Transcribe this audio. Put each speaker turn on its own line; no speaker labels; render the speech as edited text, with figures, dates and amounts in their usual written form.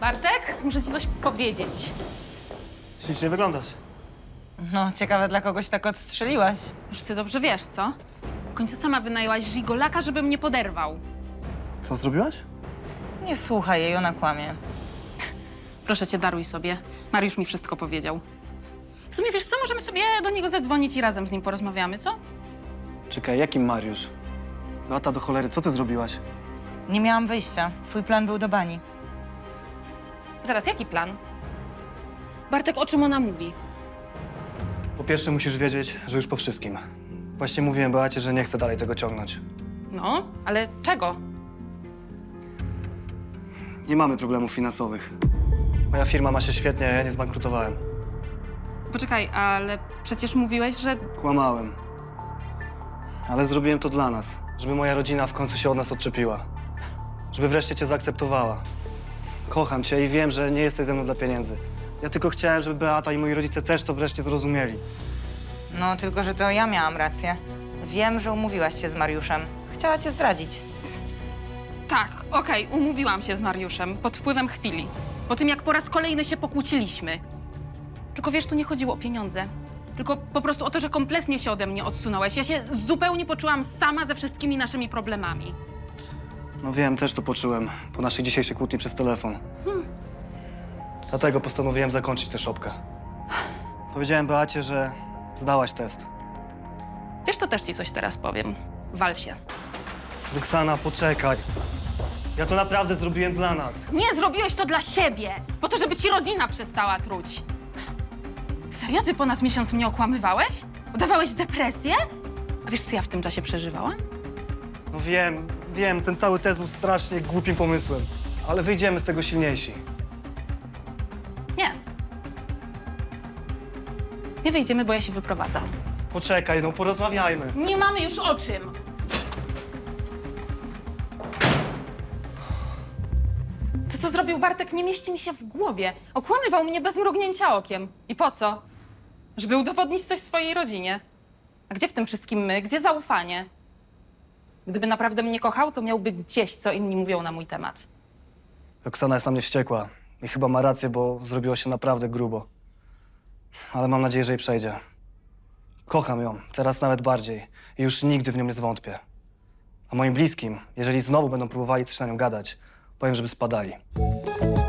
Bartek, muszę ci coś powiedzieć.
Ślicznie wyglądasz.
No, ciekawe, dla kogoś tak odstrzeliłaś.
Już ty dobrze wiesz, co? W końcu sama wynajęłaś żigolaka, żeby mnie poderwał.
Co zrobiłaś?
Nie słuchaj jej, ona kłamie.
Proszę cię, daruj sobie. Mariusz mi wszystko powiedział. W sumie wiesz co, możemy sobie do niego zadzwonić i razem z nim porozmawiamy, co?
Czekaj, jakim Mariusz? Beata, do cholery, co ty zrobiłaś?
Nie miałam wyjścia. Twój plan był do bani.
Zaraz, jaki plan? Bartek, o czym ona mówi?
Po pierwsze musisz wiedzieć, że już po wszystkim. Właśnie mówiłem Beacie, że nie chcę dalej tego ciągnąć.
No, ale czego?
Nie mamy problemów finansowych. Moja firma ma się świetnie, a ja nie zbankrutowałem.
Poczekaj, ale przecież mówiłeś, że...
Kłamałem. Ale zrobiłem to dla nas, żeby moja rodzina w końcu się od nas odczepiła. Żeby wreszcie cię zaakceptowała. Kocham cię i wiem, że nie jesteś ze mną dla pieniędzy. Ja tylko chciałem, żeby Beata i moi rodzice też to wreszcie zrozumieli.
No, tylko że to ja miałam rację. Wiem, że umówiłaś się z Mariuszem. Chciała cię zdradzić.
Tak, okej, umówiłam się z Mariuszem pod wpływem chwili. Po tym, jak po raz kolejny się pokłóciliśmy. Tylko wiesz, tu nie chodziło o pieniądze. Tylko po prostu o to, że kompletnie się ode mnie odsunąłeś. Ja się zupełnie poczułam sama ze wszystkimi naszymi problemami.
No wiem, też to poczułem po naszej dzisiejszej kłótni przez telefon. Dlatego postanowiłem zakończyć tę szopkę. Powiedziałem Beacie, że zdałaś test.
Wiesz, to też ci coś teraz powiem. Wal się.
Roxana, poczekaj. Ja to naprawdę zrobiłem dla nas.
Nie zrobiłeś to dla siebie! Po to, żeby ci rodzina przestała truć. Serio? Ty ponad miesiąc mnie okłamywałeś? Udawałeś depresję? A wiesz, co ja w tym czasie przeżywałam?
No wiem, ten cały test był strasznie głupim pomysłem. Ale wyjdziemy z tego silniejsi.
Nie. Nie wyjdziemy, bo ja się wyprowadzam.
Poczekaj, no porozmawiajmy.
Nie mamy już o czym. To, co zrobił Bartek, nie mieści mi się w głowie. Okłamywał mnie bez mrugnięcia okiem. I po co? Żeby udowodnić coś swojej rodzinie. A gdzie w tym wszystkim my? Gdzie zaufanie? Gdyby naprawdę mnie kochał, to miałby gdzieś, co inni mówią na mój temat.
Roxana jest na mnie wściekła. I chyba ma rację, bo zrobiło się naprawdę grubo. Ale mam nadzieję, że jej przejdzie. Kocham ją, teraz nawet bardziej. I już nigdy w nią nie zwątpię. A moim bliskim, jeżeli znowu będą próbowali coś na nią gadać, powiem, żeby spadali.